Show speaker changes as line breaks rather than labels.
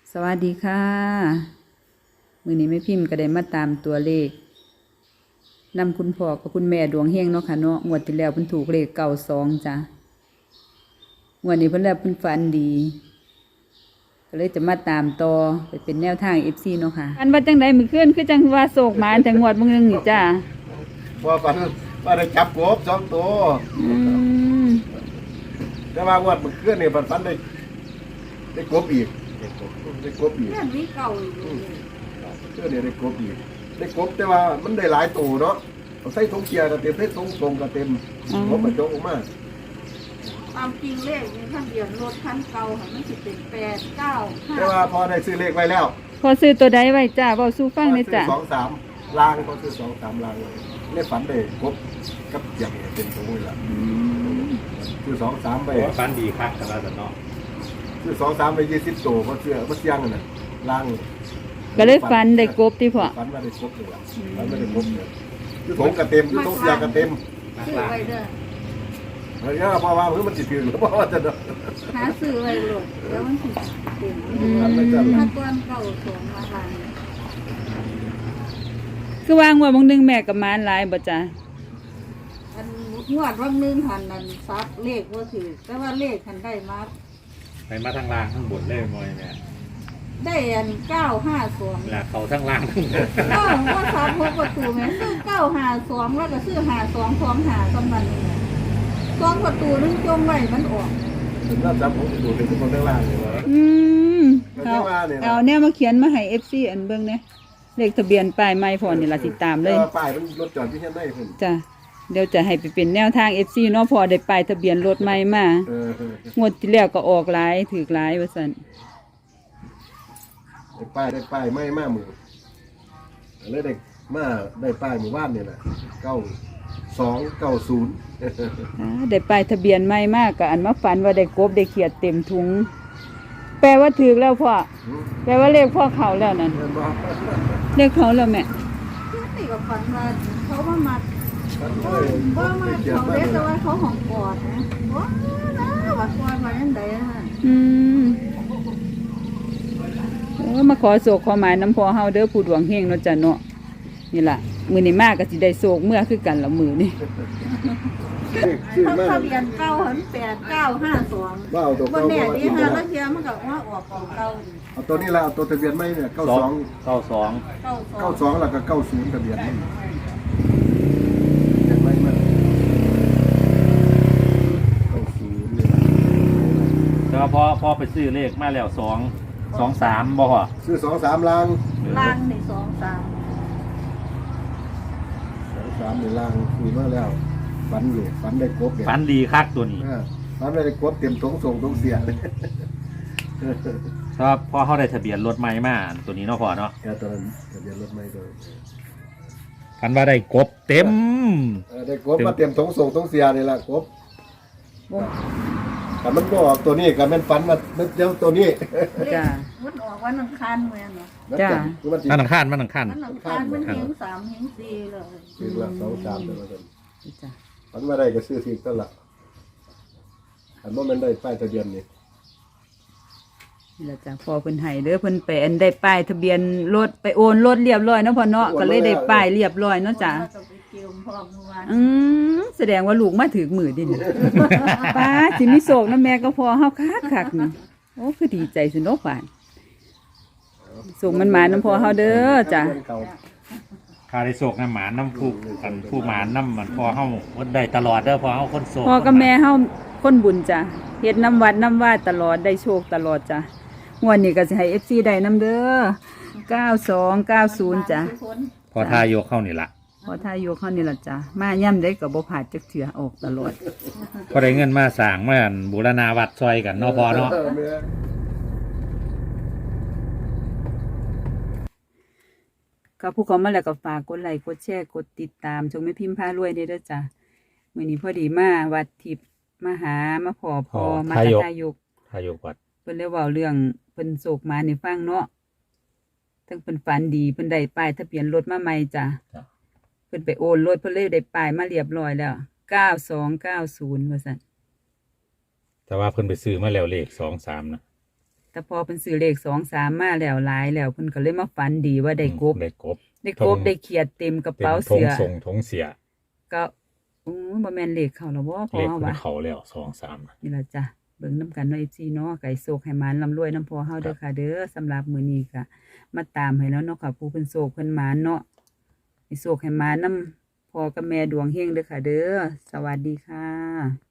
สวัสดีค่ะมื้อนี้แม่พิมพ์ก็ได้มาตามตัวเลขนำคุณพ่อกับคุณแม่ดวงเฮงเนาะค่ะเนาะงวดที่แล้วเพิ่นถูกเลข92จ้ะงวดนี้เพิ่นแล้วเพิ่นฝันดีก็เลยจะมาตามต่อไปเป็นแนวทาง FC เนาะค่ะอันว่าจังไดมื้อคืนคือจังว่าโศกหมาแต่งวดมื้อนึงนี่จ้ะ
ว่าฝันว่าได้จับกบ2 ตัว
อืม
แต่ว่างวดมันเคลื่อนเนี่ยฝันได้กบอีกได้กบอีก
เรื่องนี้เก่าอยู่
เคลื่อนเนี่ยได้กบอีกได้กบแต่ว่ามันได้หลายตัวเนาะเอาใส่ถุงเกียร์ก็เต็มใส่ถุงทรงก็เต็มกบมันโจกออกมา
ความจริงเลขในทะเบียนรถคันเก่าค่ะมันสิเป็น895
แต่ว่าพอได้ซื้อเลขไว้แล้ว
พอซื้อตัวใดไว้จ้ะเว้าสู่ฟังหน่อยจ้ะ
พอซื้อ2-3ลางพอซื้อ2-3ลางเลขฝันได้กบกับเกียร์เนี่ยเป็นถุงเลยล่ะซื้อ2-3ไป
ฟันดีครับแต่ละแต่เนาะ
ซื้อ2-3ไป20 ตัวเพราะเสื้อมันเสียงน่ะลาง
ก็เลยฝันได้กบติพ่อ
ฝันว่าได้ครบเลยว่ะฝันว่าได้ครบเลยคือถุงกระเต็มคือถุงเสียกระเต็ม
ซื้อไว้เด้อ
เฮ้ยเพราะว่ามันจิตถือหรือเพราะว่าจะเนาะ
หาซื้อไว้โลดแล้วมันสิเป็น
ฝันไม่จัด
ถ้าก้อนเก่าสวมมาทาง
คือว่างวดมื้อนึงแม่กับหมานหลายบ่จ้ะ
อันงวดวันนึงหันนั้นซักเลขว่าถือแต่ว่าเลขหันได้มา
ไปมาทางล่างข้างบนเลยมอยเนี่ย
ได้อัน952
เวลาเขาทั้งล่างทั้งบน
ก็ว่าซับ6ประตูแม่ซื้อ952แล้วก็ซื้อ5225ตอนนั้นนี่2ประตูนึงจงไว้มันออก
ถึงน่าจำผมดูเป็นคนข้างล่างเลยวะ
อืม
มันไม่ว่าเนี่ยนะ
เอาแนวมาเขียนมาให้ FC อันเบิ่งเนี่ยเลขทะเบียนป้ายไม้พอนี่ล่ะสิตามเลย
ป้ายมันรถจอดที่เห็นได้เพิ่น
จ้ะเดี๋ยวจะให้ไปเป็นแนวทาง FC เนาะพอได้ป้ายทะเบียนรถใหม่มางวดที่แล้วก็ออกหลายถูกหลายว่าซั่น
ได้ป้ายไม่มามือเลยได้ป้ายหมู่บ้านเนี่ยแหละ9290
ได้ป้ายทะเบียนใหม่มากก็อันมาฝันว่าได้กบได้เขียดเต็มถุง แปลว่าถูกแล้วพ่อแปลว่าเลขพ่อเข้าแล้วนั่น
เห็นบ่
เลขเข้าแล้วแม่
คือติกับฝันว่าเขาว่ามา
มันเล
ว่าย มาเขาเรียกแต่ว่าเขาของกอดนะว้านะว่ากอดมาอันใดฮะ
อืมมาขอโศกขอหมายน้ำพอเฮาเด้อผู้ดวงเฮงเนาะจ้ะเนาะนี่ล่ะมื้อนี้มากก็สิได้โศกเมื่อคือกันละมื้อนี่
ชื่อมาก
ทะเบียนเก้าหัน8952
ว่าเอาตัว
วัน
เก่า
นี้
มา
ที่ห้าแล้วเทียมันก็ว่าออกของเก่า
เอาตัวนี้ละเอาตัวทะเบียนไม่เนี่ย
92
92แล้วก็90ทะเบียนไม่ไม่มัน90นี่
แต่ว่าพอไปซื้อเลขมาแล้ว223บ่ฮะ
ซื้อ2-3ลาง
ล่างนี่23
2-3นี่ลางคุยมาแล้วฝันอยู่ฝันได้กบเนี่ย
ฟันดีคักตัวนี้
ฝันได้กบเต็มทงส่งทงเสียเลย
แต่ว่าพอเขาได้ทะเบียนรถใหม่มาตัวนี้เนาะพอเนาะ
แค่ตอนนั้นทะเบียนรถไม่โดย
ฟันว่าได้กบเต็ม
ได้กบมาเต็มทงส่งทงเสียนี่แหละกบแต่มันบอกตัวนี้กับมันฝันมาเดี๋ยวตัวนี้
จ้ะ
มันออกวันอังคารเหมือนเนาะ
จ้ะ
คือมัน
มันอังคารมันอังคาร
วันอังคารมันเฮง3เฮง4เลย
ซื้อละ2-3แต่ว่า
จ้ะ
ฝันมาได้ก็ซื้อทีก็ละอันว่ามันได้ป้ายทะเบียนนี่
นี่ล่ะจ้ะพอเพิ่นให้เด้อเพิ่นไปอันได้ป้ายทะเบียนรถไปโอนรถเรียบร้อยเนาะพ่อเนาะก็เลยได้ป้ายเรียบร้อยเนาะจ้ะ
แล้วก็ไปเกี่ยวพร้อมเมื่อวาน
แสดงว่าลูกมาถึงมือดินี่ ป้าสิมีโศกนะแม่ก็พอเฮาคักๆนี่โอ้คือดีใจสิเนาะป่านส่งมันมาน้ำพอเฮาเด้อจ้ะ
คาได้โศกน้ำหมาน้ำผู้หมาน้ำมันพอเขาได้ตลอดเด้อพอเขาคนโศก
พ่อกับแม่เฮาคนบุญจ้ะเฮ็ดน้ำวัดน้ำว่าตลอดได้โชคตลอดจ้ะงวดนี้ก็สิให้ FC ได้น้ำเด้อ9290จ้ะ
พอทายกเข้านี่ละ
พอทายกเฮานี่ล่ะจ้ะมาย่ำได้ก็บ่พลาดจักเทื่อออกตลอด
พอได้เงินมาสร้างมาบูรณาวัดซอยกันเนาะพอเนาะ
ก็ผู้เขามาแล้วก็ฝากกดไลค์กดแชร์กดติดตามชมแม่พิมพ์พารวยได้เด้อจ้ะมื้อนี้พอดีมาวัดทิพย์มาหามาขอพอมาทายก
ทายกวัด
เพิ่นเลยเว้าเรื่องเพิ่นโศกมาให้ฟังเนาะทั้งเพิ่นฝันดีเพิ่นได้ป้ายทะเบียนรถมาใหม่จ้ะเพิ่นไปโอนรถเพิ่นเลยได้ป้ายมาเรียบร้อยแล้ว9290ว่าซั่น
แต่ว่าเพิ่นไปซื้อมาแล้วเลข23นะ
แต่พอเพิ่นซื้อเลข2-3มาแล้วหลายแล้วเพิ่นก็เลยมาฝันดีว่าได้กบ
ได้กบ
ได้กบได้เขียดเต็มกระ
เต็ม
เป๋า
ทง
เสื้อ
ทรงทงเสีย
ก็บ่แม่นเลขเข้าแล้วบ่พอ
เลข
เฮา
มัน
ว่า
เขาแล้ว2-3
นี่ล่ะจ้ะเบิ่งนํกันเนาะ FC เนาะไก่โศกให้หมานร่ำรวยนํพ่อเฮาเด้อค่ะเด้อสำหรับมื้อนี้ก็มาตามให้แล้วเนาะค่ะผู้เพิ่นโศกเพิ่นหมานเนาะให้โศกให้หมานนํพ่อกับแม่ดวงเฮงเด้อค่ะเด้อสวัสดีค่ะ